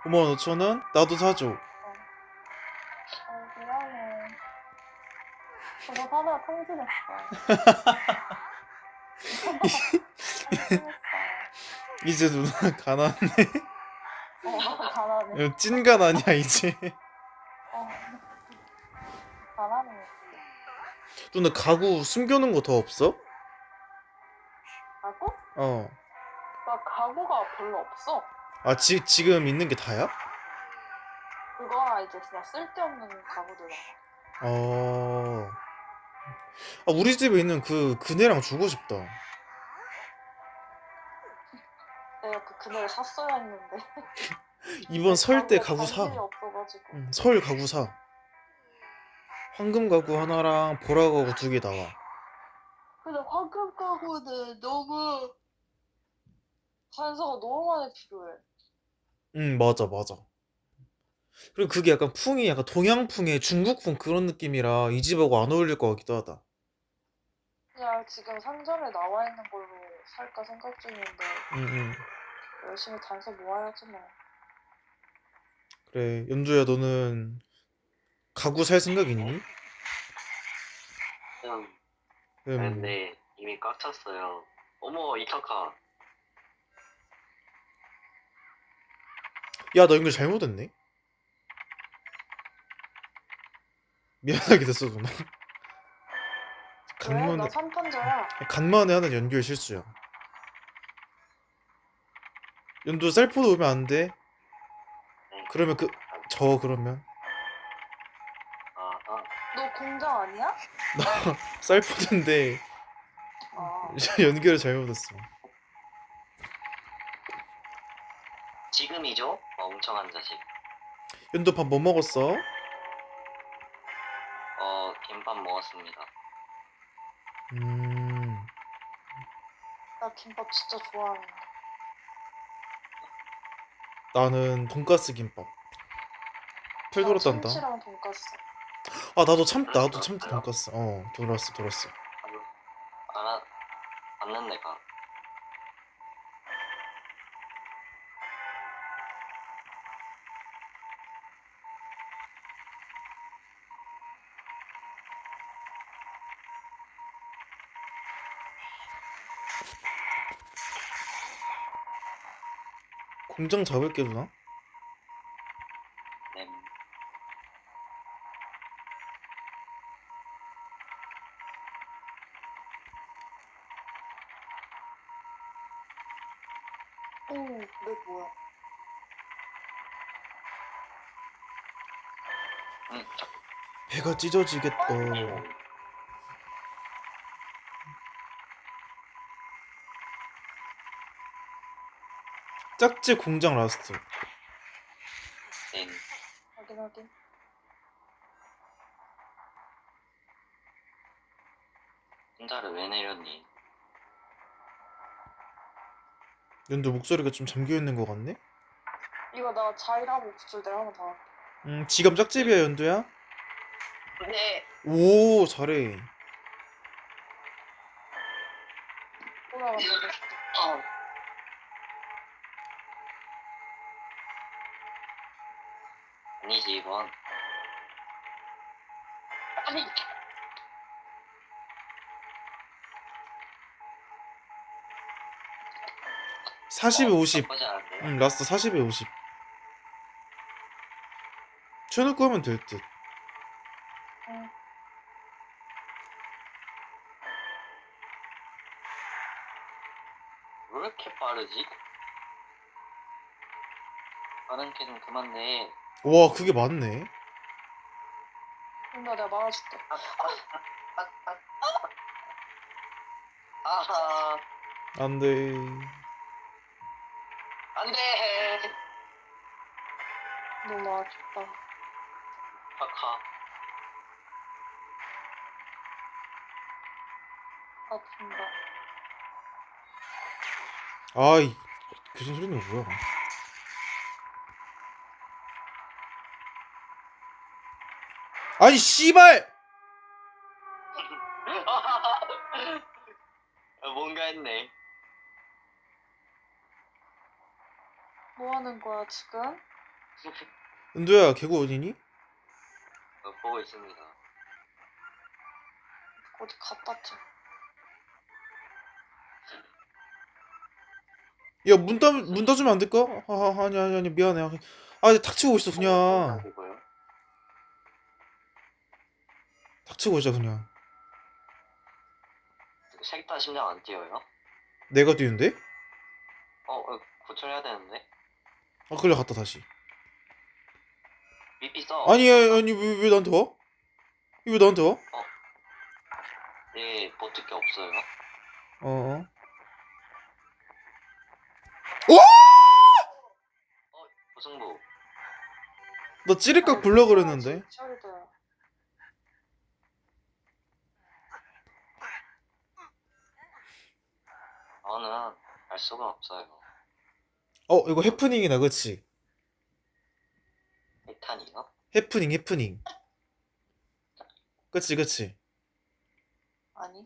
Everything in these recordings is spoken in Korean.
55,000원? 나도 사줘. 미안해. 그거 사다가 통지냈어. 통지냈어. 이제 누나 가난해. 가난해. 찐 가난이야 이제. 어, 가난해. 누나 가구 숨겨놓은 거 더 없어? 가구? 어. 나 가구가 별로 없어. 아 지금 있는 게 다야? 그거랑 이제 그냥 쓸데없는 가구들. 어. 아 우리 집에 있는 그네랑 주고 싶다. 내가 그 그네를 샀어야 했는데. 이번 설 때 가구 관심이 사. 없어가지고. 응, 설 가구 사. 황금 가구 하나랑 보라 가구 2개 나와. 근데 황금 가구는 너무 단서가 너무 많이 필요해. 응, 맞아, 맞아. 그리고 그게 약간 풍이 약간 동양풍의 중국풍 그런 느낌이라 이 집하고 안 어울릴 것 같기도 하다. 그냥 지금 상점에 나와 있는 걸로 살까 생각 중인데 응, 응. 열심히 단서 모아야지 뭐. 그래, 연주야, 너는 가구 살 생각 있니? 형, 음. 근데 이미 꽉 찼어요. 어머, 이타카. 야, 나 연결 잘못했네. 미안하게 됐어, 누나. 왜? 나 간만에, 3판자야. 간만에 하는 연결 실수야. 연두 셀프도 오면 안 돼. 네. 그러면 그러면. 아하. 너 공장 아니야? 셀프인데 아, 연결을 잘못했어. 지금이죠? 멍청한 자식. 연두 밥 뭐 먹었어? 김밥 먹었습니다. 음, 나 김밥 진짜 좋아하는데. 나는 돈가스 김밥. 풀 난 돌았단다. 참치랑 돈까스. 아, 나도 참치 들었어요? 돈가스. 돌았어. 알아, 맞는 내가. 공장 잡을게 누나. 네. 오, 내 뭐야? 자, 배가 찢어지겠다. 짝지 공장 라스트. 네. 확인. 혼자를 왜 내렸니? 연두 목소리가 좀 잠겨 있는 것 같네. 이거 나 자이라고 구슬 내가 한번 더 할게. 지갑 짝집이야 연두야. 네. 오 잘해. 올라가서 어. 아니지, 이건. 아니, 40에 50. 나쁘지 않은데요? 라스트 40에 50. 쳐놓고 하면 될 듯. 응. 왜 이렇게 빠르지? 빠른 게 좀 그만 내. 와 그게 맞네. 근데 내가 말아줄게. 아하, 안돼. 안 돼! 너무 아쉽다. 카카. 아픈다. 아이 교정 소리는 뭐야? 아니 씨발! 뭔가 했네. 뭐 하는 거야, 지금? 은도야, 개구 어디니? 보고 있습니다. 어디 갖다 줘. 야, 문 닫으면 안 될까? 아니, 미안해. 닥치고 있어, 그냥. 이고요. 닥치고 있자, 그냥. 색다 심장 안 뛰어요? 내가 뛰는데? 고쳐야 되는데. 그래, 갔다, 다시. 삐삐 써. 아니, 왜 나한테 와? 왜 나한테 와? 네, 버틸 게 없어요. 어. 고승부. 너 찌릿각 불러 그랬는데. 처리돼. 저는 알 수가 없어요. 이거 해프닝이다, 그치? 해탄이요? 해프닝. 그치. 아니.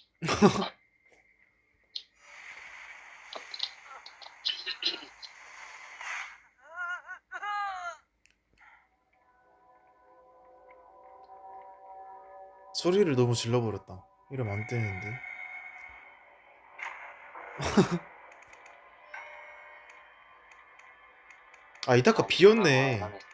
소리를 너무 질러버렸다. 이러면 안 되는데. 이따가 비었네.